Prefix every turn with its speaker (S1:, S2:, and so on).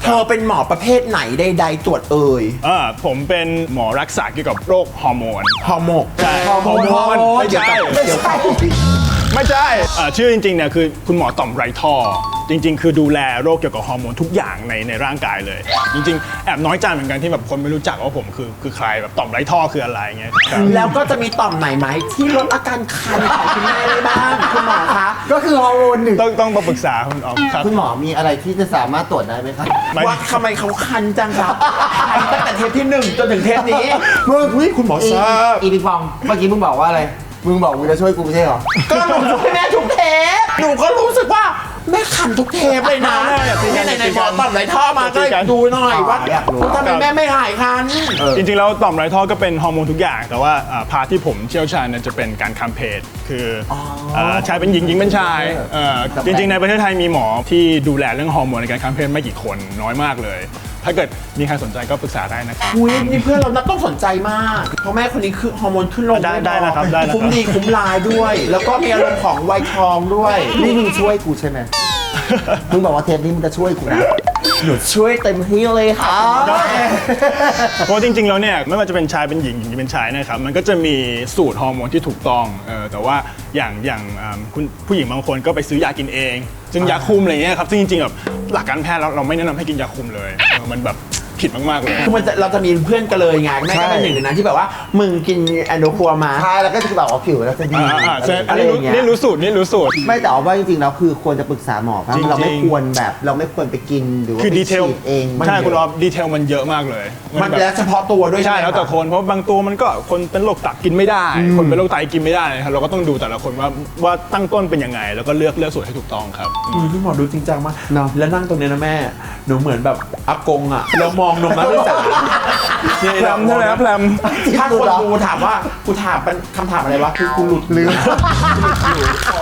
S1: เธอเป็นหมอประเภทไหนใดๆตรวจเอ่ย
S2: ผมเป็นหมอรักษาเกี่ยวกับโรคฮอร์โมน
S1: ฮอร์โมน
S2: ใช่
S1: ฮอร์โมน
S2: ไม่ใช่ไม่ใช่ชื่อจริงๆเนี่ยคือคุณหมอต่อมไรท่อจริงๆคือดูแลโรคเกี่ยวกับฮอร์โมนทุกอย่างในร่างกายเลยจริงๆแอบน้อยใจเหมือนกันที่แบบคนไม่รู้จักว่าผมคือใครแบบต่อมไรท่อคืออะไรเงี้ย
S1: แล้วก็จะมีต่อมไหนที่ลดอาการคันของคุณแม่ได้บ้างคุณหมอคะ
S3: ก็คือฮอร์โมนหนึ่ง
S2: ต้องมาปรึกษาคุณออมครับ
S3: คุณหมอมีอะไรที่จะสามารถตรวจได้ไหมครับ
S1: ว่าทำไมเขาคันจังครับคันตั้งแต่เทปที่1จนถึงเทปนี้คุณหมอทราบ
S3: อีปิงปองเมื่อกี้มึงบอกว่าอะไรมึงบอกมึงจะช่วยกูไม่ใช่หรอ
S1: ก็หนูช่วยแม่ทุกเทปหนูก็รู้สึกว่าแม่คันทุกเทปเลยนะที่ไหนหมอต่อมไรท่อมาก็ดูหน่อยว่าทำไมแม่ไม่หายคัน
S2: จริงๆแล้วต่อมไรท่อก็เป็นฮอร์โมนทุกอย่างแต่ว่าพาร์ทที่ผมเชี่ยวชาญจะเป็นการคัมเพจคือชายเป็นหญิงหญิงเป็นชายจริงๆในประเทศไทยมีหมอที่ดูแลเรื่องฮอร์โมนในการคัมเพจไม่กี่คนน้อยมากเลยถ้าเกิดมีใครสนใจก็ปรึกษาได้นะครับ
S1: นี่เพื่อนเรานับต้องสนใจมากเพราะแม่คนนี้คือฮอร์โมนขึ้นลง
S2: ได้นะครับได้
S1: คุ้มดีคุ้มลายด้วย แล้วก็มีอารมณ์ของวัยทองด้วย
S3: นี่มึงช่วยกูใช่ไหมมึงบอกว่าเทปนี้มึงจะช่วยกูนะ
S1: หนูช่วยเต็มที่เลยค่ะ
S2: เพราะจริงๆแล้วเนี่ยไม่ว่าจะเป็นชายเป็นหญิงเป็นชายนะครับมันก็จะมีสูตรฮอร์โมนที่ถูกต้องแต่ว่าอย่างคุณผู้หญิงบางคนก็ไปซื้อยากินเองซึ่งยาคุมอะไรเงี้ยครับซึ่งจริงๆแบบหลักการแพทย์เราไม่แนะนำให้กินยาคุมเลยมันแบบผิดมากๆเลย
S1: คือเราจะมีเพื่อนกันเลยไงแม่ก็เป็นหนึ่งในนั้นที่แบบว่ามึงกินแอนโดคัวมา
S3: ใช่แล้วก็จะแบบว่าผิวแล้วจะดี
S2: อะไรอย่างเงี้ยนี่รู้สูตร
S3: ไม่แต่ว่าจริงๆแล้วคือควรจะปรึกษาหมอเพราะเราไม่ควรไปกินหรือว่า
S2: คือดีเทล
S3: เอง
S2: ใช่คุณออฟดีเทลมันเยอะมากเลย
S1: มันแล้วเฉพาะตัวด้วย
S2: ใช่แล้วแต่คนเพราะบางตัวมันก็คนเป็นโรคตับกินไม่ได้คนเป็นโรคไตกินไม่ได้ครับเราก็ต้องดูแต่ละคนว่าตั้งต้นเป็นยังไงแล้วก็เลือกสูตรให้ถูกต้องครับ
S1: พี่หมอดูจริงจังมากแล้วนั่งตรงนี้นะแม่หนูเหมือนแบบอากงอ่ะแล้วมองนมนักศึกษา
S2: แพรมใช่ไหมครับแพรม
S1: ถ้าคนดูถามว่ากูถามเป็นคำถามอะไรวะคือกูหลุดลืม